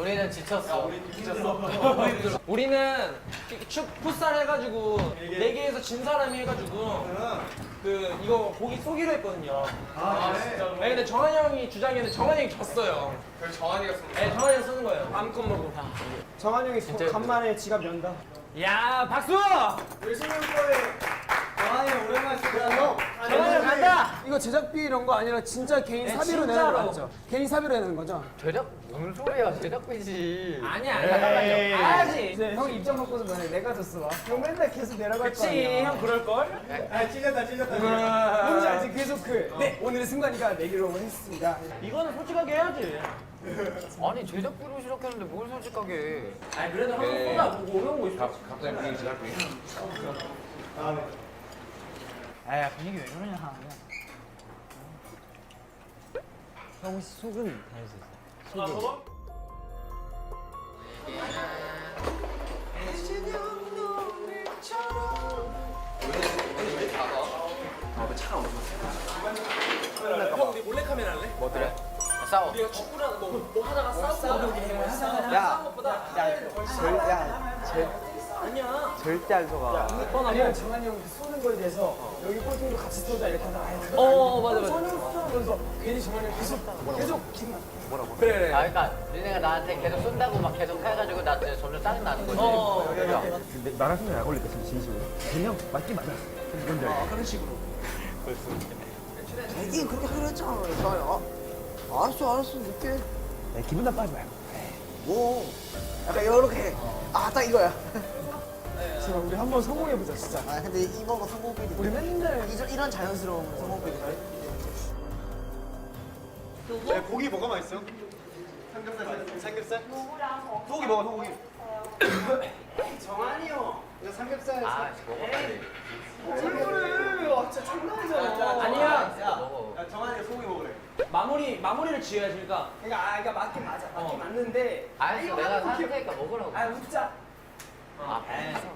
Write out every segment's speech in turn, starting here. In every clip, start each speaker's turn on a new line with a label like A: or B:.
A: 우리는 지쳤어.
B: 우리는 풋살 해가지고 내기에서 진 사람이 해가지고 그 이거 고기 쏘기로 했거든요.
C: 진짜로?
B: 네, 근데 정한이 형이 주장이었는데 정한이 형이 졌어요.
C: 그래서 정한이가 쏜 거야?
B: 네, 정한이 형 쏘는 거예요. 마음껏 먹고.
D: 정한 형이 간만에 지갑 연다.
B: 야, 박수!
D: 열심히 할 거에 정한이 형 오랜만에 쓰고
B: 정한이 형 간다!
D: 이거 제작비 이런 거 아니라 진짜 개인
B: 네,
D: 사비로 내는
B: 진짜로.
D: 거 맞죠? 개인 사비로 내는 거죠?
A: 무슨 소리야? 제작비지.
B: 아니야, 가야지.
D: 이제 형 입장 바꿔서 만약에 내가 졌어 봐. 형 맨날 계속 내려갈 거
B: 그치,
D: 아니야.
B: 형 그럴걸?
D: 아 찔렸다. 뭔지 알지? 계속 네 오늘의 승관이가 내기로 했습니다.
B: 이거는 솔직하게 해야지.
A: 아니 제작비로 시작했는데 뭘 솔직하게.
B: 아니, 그래도 한번 쏟아보고 오는 거 있어.
C: 갑자기 분위기 제작비.
D: 아 분위기 왜 그러냐. 형 속은 다닐 수 있어.
B: 저거? 형, 우리 몰래카메라 할래?
A: 뭐 그래? 싸워.
B: 우리가 축구랑 뭐 하다가 싸우고
D: 야,
B: 것보다 아니야.
D: 절대 안 속아. 아니면 정한이 형 쏘는 거에 대해서 여기 꼴등도 같이 쏘자 이렇게 하다가
B: 맞아.
D: 쏘면서 괜히 정한이 형 계속 기분
B: 그래.
A: 아 그러니까 니네가 나한테 계속 쏜다고 막 계속 해가지고 나 진짜 점점 짜증 나는 거지.
D: 근데 나랑 생각 안 걸릴까 진심으로. 그냥 맞긴 맞아. 뭔지 알지?
B: 그런 식으로.
E: 자기 그렇게 하기로 했잖아. 알았어 늦게.
D: 야, 기분 나빠하지 말고.
E: 뭐 약간 이렇게 딱 이거야.
D: 제발 우리 한번 성공해보자 진짜.
E: 아 근데 이거가 성공백이.
D: 우리 맨날
E: 이런 자연스러운 성공백이.
F: 고기 뭐가 맛있어? 삼겹살 맛있어? 삼겹살? 소고기 먹어 소고기. 정한이 형. 이거 삼겹살.
A: 아 먹어야지.
D: 얼굴을 와 진짜 장난이잖아.
B: 아니야.
A: 먹어.
F: 야 정한이가 소고기 먹으래.
B: 마무리를 지어야지. 그러니까
D: 그러니까 맞긴 맞아. 맞긴 맞는데.
A: 알았어
D: 이거
A: 내가
D: 하는 거
A: 사줄 테니까 먹으라고.
D: 아 웃자.
A: 알았어.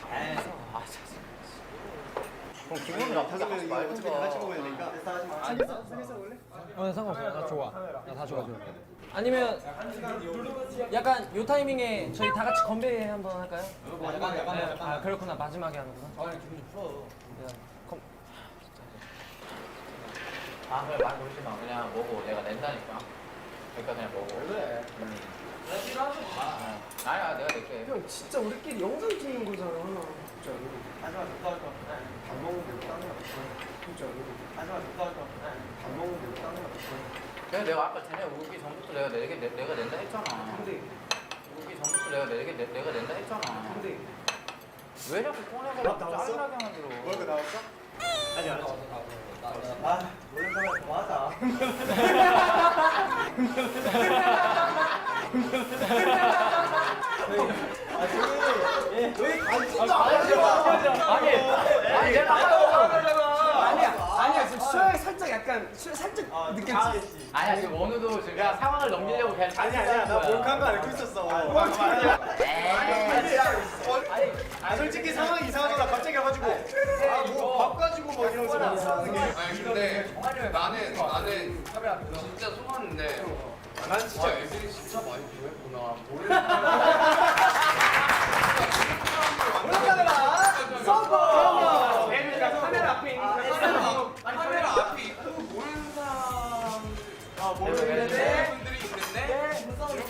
A: 그럼 기분 나쁘게 하지 말고.
F: 어차피 같이 먹어야 되니까.
D: 삼겹살 원래?
B: 나 상관없어. 나 좋아. 나 다 좋아. 아니면 약간 요 타이밍에 저희 다 같이 건배 한번 할까요? 아 그렇구나. 마지막에 하는구나. 기분 좀 풀어.
A: 아 그래 말 걸지 마. 그냥 먹어. 내가 낸다니까. 그러니까 그냥 먹어.
B: 그래.
A: 아니야 내가 낼게.
D: 형 진짜 우리끼리 영상 찍는 거잖아. 진짜.
F: 하지마 좋다 할 거. 밥 먹는데 딴 거야.
D: 진짜.
F: 하지마 좋다 할 거. 밥 먹는데 딴 거야.
A: 그래 내가 아까 쟤네 오기 전부터 내가 낸다 했잖아.
D: 근데
A: 오기 전부터 내가 낸다 했잖아.
D: 근데
A: 왜 자꾸 꺼내서 짜증나게 만들어?
F: 먹을 거 나왔어? 아직 안 왔어. 아 몰래 카메라 그만하자.
A: 아니 내가
D: 아니야 지금 수영이 살짝 약간 살짝 느꼈지.
A: 아니야 지금 원우도 지금 상황을 넘기려고 그냥
F: 아니야 나 몰카한 거 알고 있었어. 아 솔직히 상황이 이상하더라 갑자기 와가지고 아뭐밥 가지고 뭐 이러면서 막 싸우는 게.
C: 아니 근데 나는 진짜 속았는데 난 진짜 애들이 진짜 많이 좋아했구나.
B: 카메라 앞에 있는
C: 카메라 앞에 있고 모르는 사람 모르는데 분들이 있는데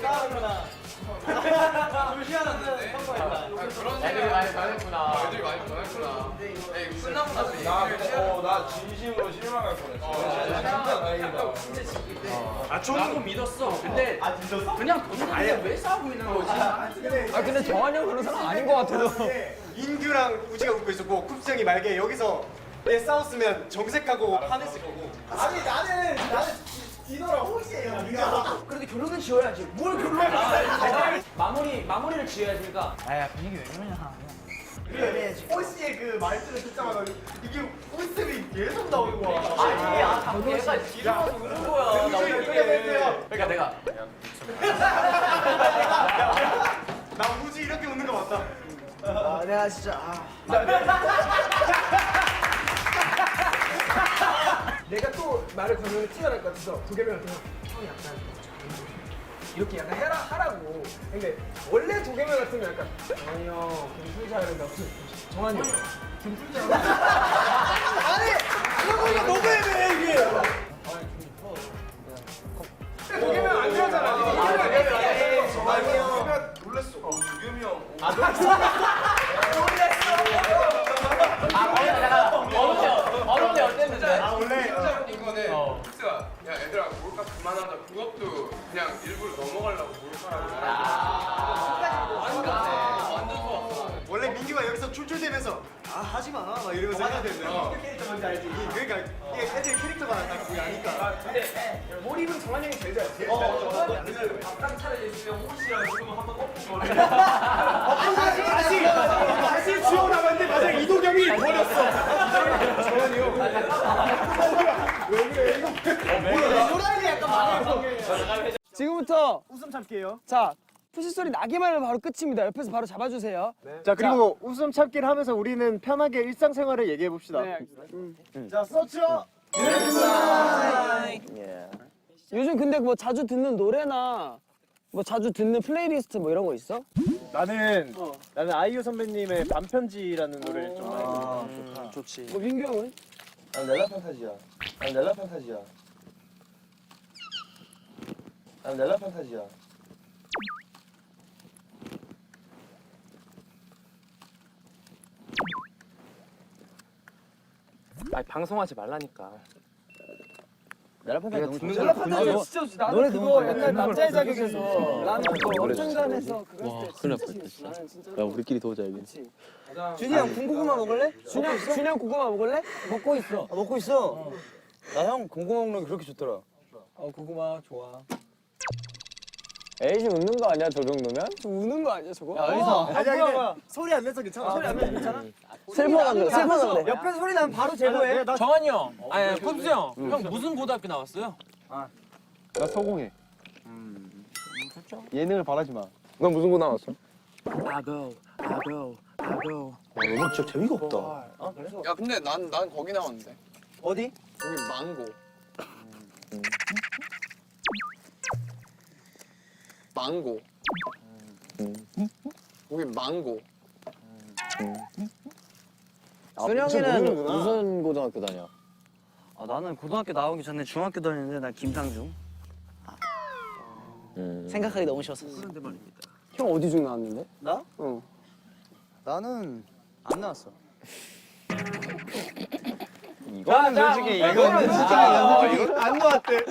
C: 좀 희한한데 그런
A: 애들이 많이 변했구나.
C: 애들이 많이 변했구나. 끝나고 나서
G: 나 진심으로 실망할 뻔했어. 진짜 다행이다.
B: 아 저는 좀 믿었어. 근데
F: 아 진짜서?
B: 그냥 돈을 왜 싸우고 있는 거지?
D: 근데 정한이 형 그런 사람 아닌 것 같아서.
F: 인규랑 우지가 웃고 있었고 쿱스 형이 말게 여기서 얘 싸웠으면 정색하고 화냈을 거고. 아니 나는 디너랑 호시예요. 네가.
D: 그래도 결론은 지어야지. 뭘 결론을
B: 마무리를 지어야지. 그러니까
D: 아야 분위기 왜 그러냐.
F: 그래 호시의 그 말투를 듣자마자 이게 웃음이 계속 나오는 거야.
A: 아니야 얘가 지루해서 우는 거야. 나
F: 끓여냈어요.
A: 그러니까 내가
F: 나 우지 이렇게 웃는 거 맞다.
E: 아 내가 진짜
D: 내가 또 말을 걸면 티가 날 것 같아서 도겸이한테 형이 약간 이렇게 약간 하라고. 근데 원래 도겸이 같으면 약간 정한이 형 김풀자 이러다 정한이 형 김풀자. 아니 이거 너무 애매해 이게. 도겸이 형 안 그러잖아. 정한이 형.
C: 놀랬어. 유겸이 형.
A: 어른이 어땠는데?
F: 원래
C: 이거는 흡수가 야 얘들아 몰카 그만하자. 그것도 그냥 일부러 넘어가려고 몰카라고. 완전 좋았어.
F: 원래 민규가 여기서 출출대면서 아 하지 마 막 이러면서 해야 되는데 캐릭터 뭔지 알지? 그러니까 이게 애들 캐릭터가 딱 그게 아니까.
D: 근데 몰입은 정한이 형이 제일 잘해. 다시 지워 나갔는데 맞아 이도겸이 버렸어. 정한이 형. 왜 그래 이거?
E: 호랑이 약간 많아요.
D: 지금부터
F: 웃음 참기예요.
D: 자 푸시 소리 나기만 하면 바로 끝입니다. 옆에서 바로 잡아주세요.
F: 자 그리고 웃음 참기를 하면서 우리는 편하게 일상생활을 얘기해 봅시다.
D: 네.
F: 자 서치어.
D: 요즘 근데 뭐 자주 듣는 노래나 뭐 자주 듣는 플레이리스트 뭐 이런 거 있어?
F: 나는 아이유 선배님의 반편지라는 노래를 좀 많이 듣는
E: 좋지.
D: 뭐 민규 형은?
G: 난 넬라 판타지야. 난 넬라 판타지야. 난 넬라 판타지야.
B: 아니 방송하지 말라니까.
G: 넬라 판타지 너무 좋아.
D: 넬라 판타지 진짜 좋지. 나는 그거 옛날 남자의 자격에서 나는 그거 어쩐간에서 그랬을 때 진짜 신기했어. 나는 진짜.
G: 야 우리끼리 도우자 여기.
E: 준이 형 군고구마 먹을래?
D: 준이 형 고구마 먹을래? 먹고 있어.
E: 먹고 있어. 나 형 고구마 먹는 게 그렇게 좋더라.
D: 고구마 좋아.
B: 에이지 웃는 거 아니야 저 정도면?
D: 우는 거 아니야 저거?
F: 아니야 근데 소리 안 내서 괜찮아. 소리 안 내서 괜찮아.
B: 슬퍼서 그래. 슬퍼서 그래.
E: 옆에서 소리 나면 바로 제보해.
B: 정한이 형, 아니 쿱스 형, 형 무슨 고등학교 나왔어요?
G: 나 서공해. 예능을 바라지 마. 넌 무슨 고 나왔어?
B: 아고.
G: 너 진짜 재미가 없다.
C: 야 근데 난 거기 나왔는데.
E: 어디?
C: 거기 망고. 망고. 거기 망고.
E: 준영이는
G: 무슨 고등학교 다녀?
E: 나는 고등학교 나오기 전에 중학교 다녔는데 난 김상중. 생각하기 너무 쉬웠어.
D: 형 어디 중 나왔는데?
E: 나? 나는 안 나왔어.
G: 이거는 솔직히 이거는 진짜
F: 안 나왔대.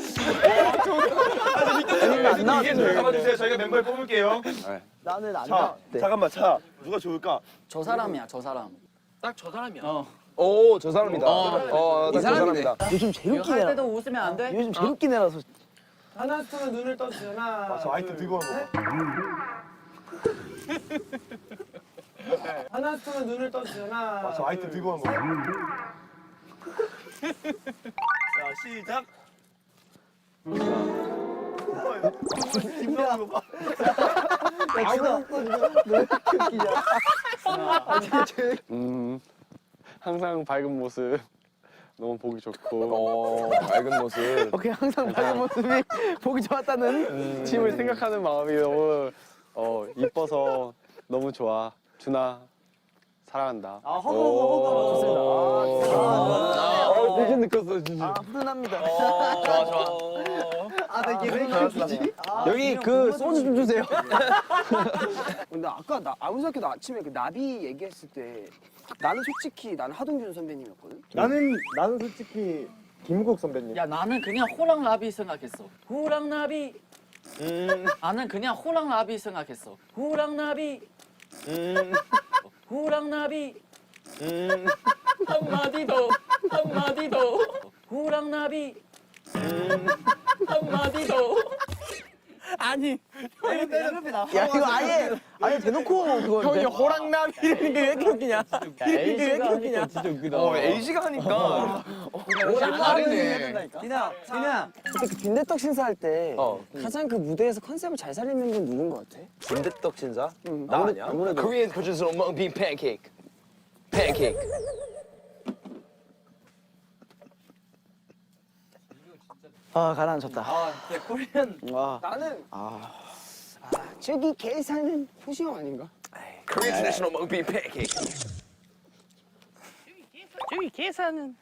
E: 안 나왔어.
F: 잡아주세요. 저희가 멤버를 뽑을게요.
E: 나는 안
F: 자,
E: 나왔대.
F: 잠깐만 차. 누가 좋을까?
E: 저 사람이야, 저 사람.
B: 딱 저 사람이야.
G: 오 저 사람이다. 이 사람이다.
E: 요즘 제일 웃긴 애라. 때도 웃으면 안 돼? 요즘 제일 웃긴 애라서.
D: 하나 둘 눈을 떠주잖아.
F: 저 아이템 들고 온 거.
D: 하나 둘 눈을 떠주잖아.
F: 저 아이템 들고 온 거. 자 시작. 김나온 거 봐.
G: 항상 밝은 모습 너무 보기 좋고. 밝은 모습.
E: 오케이, 항상 밝은 모습이 보기 좋았다는.
G: 팀을 생각하는 마음이 너무 이뻐서 너무 좋아. 준아 사랑한다.
E: 허거 좋습니다.
G: 되게 느꼈어 진짜.
E: 훈훈합니다.
B: 좋아.
E: 나 이게 왜 이렇게
G: 여기 그 소주 좀 주세요.
D: 근데 아까 나 아무새학교 아침에 그 나비 얘기했을 때 나는 솔직히 나는 하동균 선배님이었거든.
F: 나는 솔직히 김국 선배님.
H: 야 나는 그냥 호랑나비 생각했어. 호랑나비. 나는 그냥 호랑나비 생각했어. 호랑나비. 호랑나비. 한마디 더. 호랑나비. 한마디 더.
E: 아니. 야, 이거 아예 대놓고 그거.
G: 형이 호랑나비라는 게 왜 이렇게 웃기냐?
B: 왜 이렇게 웃기냐? 진짜 웃기다.
G: 에이지가 하니까.
C: 다르네.
E: 디나.
D: 그때 그 빈대떡 신사할 때 가장 그 무대에서 컨셉을 잘 살리는 건 누군 것 같아?
G: 빈대떡 신사?
D: 나 아니야? 아무래도
G: Korean producer of mung bean pancake.
E: 아 가라앉혔다.
B: 코리안
D: 나는 저기 계산은 호시 형 아닌가?
C: Korean traditional mung bean pancake.
E: 저기 계산은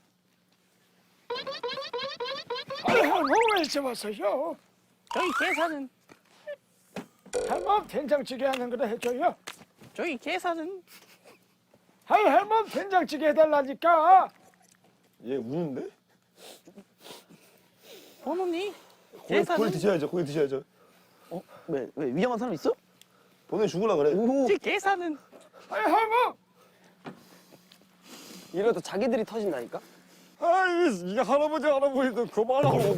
I: 왜 잡았어요?
E: 저기 계산은
I: 할멈 된장찌개 하는 거다 해줘요.
E: 저기 계산은
I: 아이 할멈 된장찌개 해달라니까.
G: 얘 우는데?
E: 번호니?
G: 고기
E: 계산은
G: 드셔야죠. 고기 드셔야죠.
E: 왜 위험한 사람 있어?
G: 보내 죽으려 그래.
E: 저기 계산은
I: 아이 할멈.
D: 이러다 자기들이 터진다니까?
I: 아이 이게 할아버지도 그만하고.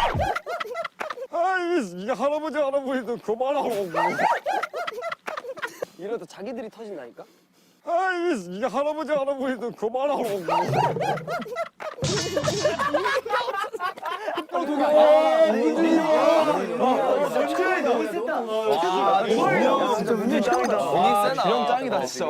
I: 아이 이게 할아버지도 그만하고.
D: 이러다 자기들이 터진다니까?
I: 아이 이게 할아버지도 그만하고.
E: 진짜 문제 짱이다.
C: 와, 주영 짱이다 진짜.